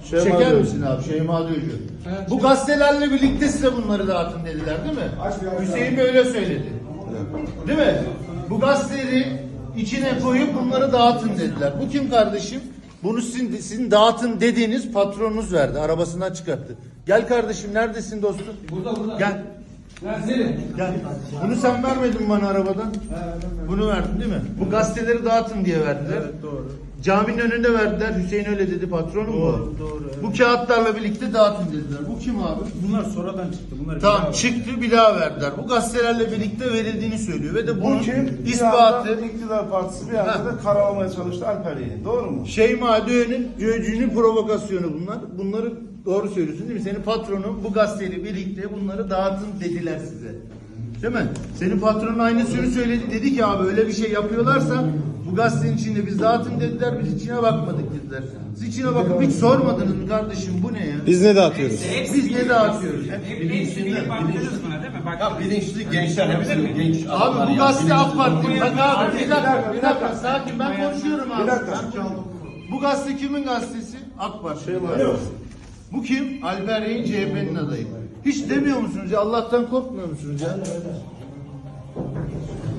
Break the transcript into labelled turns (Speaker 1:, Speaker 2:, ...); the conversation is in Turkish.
Speaker 1: Çeker misin abi? Şeyma Duyucu.
Speaker 2: Evet.
Speaker 1: Bu gazetelerle birlikte size bunları dağıtın dediler değil mi? Hüseyin böyle söyledi. Değil mi? Bu gazeteleri içine koyup bunları dağıtın dediler. Bu kim kardeşim? Bunu sizin dağıtın dediğiniz patronunuz verdi. Arabasından çıkarttı. Gel kardeşim, neredesin dostum?
Speaker 2: Burada.
Speaker 1: Gel.
Speaker 2: Nerede?
Speaker 1: Gel. Bunu sen vermedin bana arabadan. Bunu verdin değil mi? Bu gazeteleri dağıtın diye verdiler.
Speaker 3: Evet, doğru.
Speaker 1: Caminin önünde verdiler. Hüseyin öyle dedi, patronum bu.
Speaker 3: Doğru. Evet.
Speaker 1: Bu kağıtlarla birlikte dağıtın dediler. Bu kim abi?
Speaker 3: Bunlar sonradan çıktı. Bunlar
Speaker 1: Tamam, çıktı, bir daha verdiler. Bu gazetelerle birlikte verildiğini söylüyor ve de bunun
Speaker 4: Bu kim? Bir
Speaker 1: ispatı
Speaker 4: anda iktidar partisi bir anda da karalamaya çalıştı Alper Yeğen. Doğru mu?
Speaker 1: Şeyma Düğün'ün provokasyonu bunlar. Bunları doğru söylüyorsun değil mi? Senin patronun bu gazeteyle birlikte bunları dağıtın dediler size. Değil mi? Senin patronun aynısını söyledi. Dedi ki abi öyle bir şey yapıyorlarsa bu gazetenin içinde biz dağıtın dediler. Biz içine bakmadık dediler. Siz içine bakıp hiç sormadınız mı kardeşim bu ne ya?
Speaker 5: Biz ne dağıtıyoruz?
Speaker 1: Biz ne dağıtıyoruz?
Speaker 6: Bilinçli baktınız buna değil mi? Bak,
Speaker 7: Ya bilinçli gençler hepsi genç
Speaker 1: Abi
Speaker 7: adamlar
Speaker 1: bu
Speaker 7: ya,
Speaker 1: gazete
Speaker 7: bilinçli.
Speaker 1: AK Parti. Bak abi bir dakika sakin, ben konuşuyorum abi.
Speaker 4: Bir dakika.
Speaker 1: Bu gazete kimin gazetesi? AK Parti. Bu kim? Alper Yeğen CHP'nin adayı. Hiç demiyor musunuz ya? Allah'tan korkmuyor musunuz ya?